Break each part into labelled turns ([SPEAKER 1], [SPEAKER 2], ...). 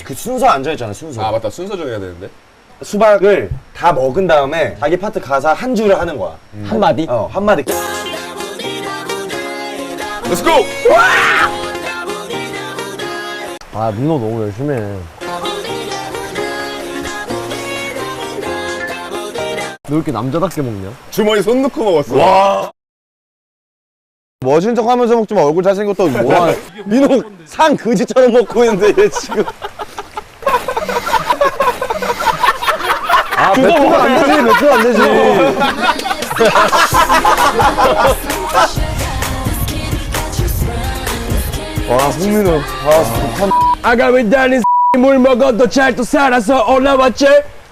[SPEAKER 1] 그 순서 안 정했잖아, 순서.
[SPEAKER 2] 아 맞다, 순서 정해야 되는데.
[SPEAKER 1] 수박을 다 먹은 다음에 자기 파트 가사 한 줄을 하는 거야.
[SPEAKER 3] 한마디?
[SPEAKER 1] 한마디.
[SPEAKER 2] Let's go!
[SPEAKER 3] 아 민호 너무 열심히 해. 너 이렇게 남자답게 먹냐?
[SPEAKER 2] 주머니 손 넣고 먹었어.
[SPEAKER 1] 와. 멋진 척 하면서 먹지 마. 얼굴 잘생겼다. 뭐야. 민호 상 그지처럼 먹고 있는데 얘 지금. 아, 몇 프로 안 되지, 몇 프로 안 되지. 와, 송민호. 아, 좋다.
[SPEAKER 3] 아가미 다닌 물 먹어도 잘 또 살아서 올라왔지?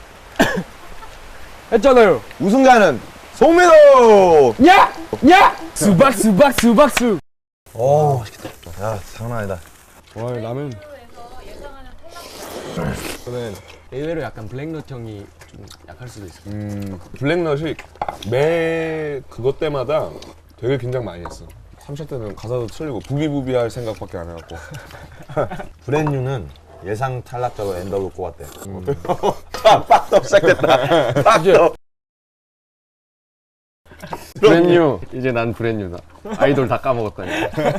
[SPEAKER 3] 했잖아요.
[SPEAKER 1] 우승자는 송민호!
[SPEAKER 3] 야! 야! 수박 수박 수박수.
[SPEAKER 1] 오, 맛있겠다. 야, 장난 아니다.
[SPEAKER 3] 와 라면.
[SPEAKER 2] 저는
[SPEAKER 3] 의외로 약간 블랙넛 형이 좀 약할 수도 있어.
[SPEAKER 2] 블랙넛이 매 그것 때마다 되게 긴장 많이 했어. 3차 때는 가사도 틀리고 부비부비 할 생각밖에 안 해갖고.
[SPEAKER 1] 브랜뉴는 예상 탈락자로 엔더로 꼽았대. 빡떡 시작됐다. 빡떡.
[SPEAKER 3] 브랜뉴. 이제 난 브랜뉴다. 아이돌 다 까먹었다니.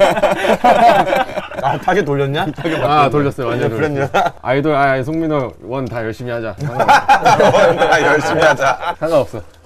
[SPEAKER 1] 아, 타겟 돌렸냐?
[SPEAKER 3] 아 돌렸어요. 완전
[SPEAKER 1] 브랜뉴.
[SPEAKER 3] 아이돌 송민호 원 다 열심히 하자.
[SPEAKER 1] 열심히 하자.
[SPEAKER 3] 상관없어.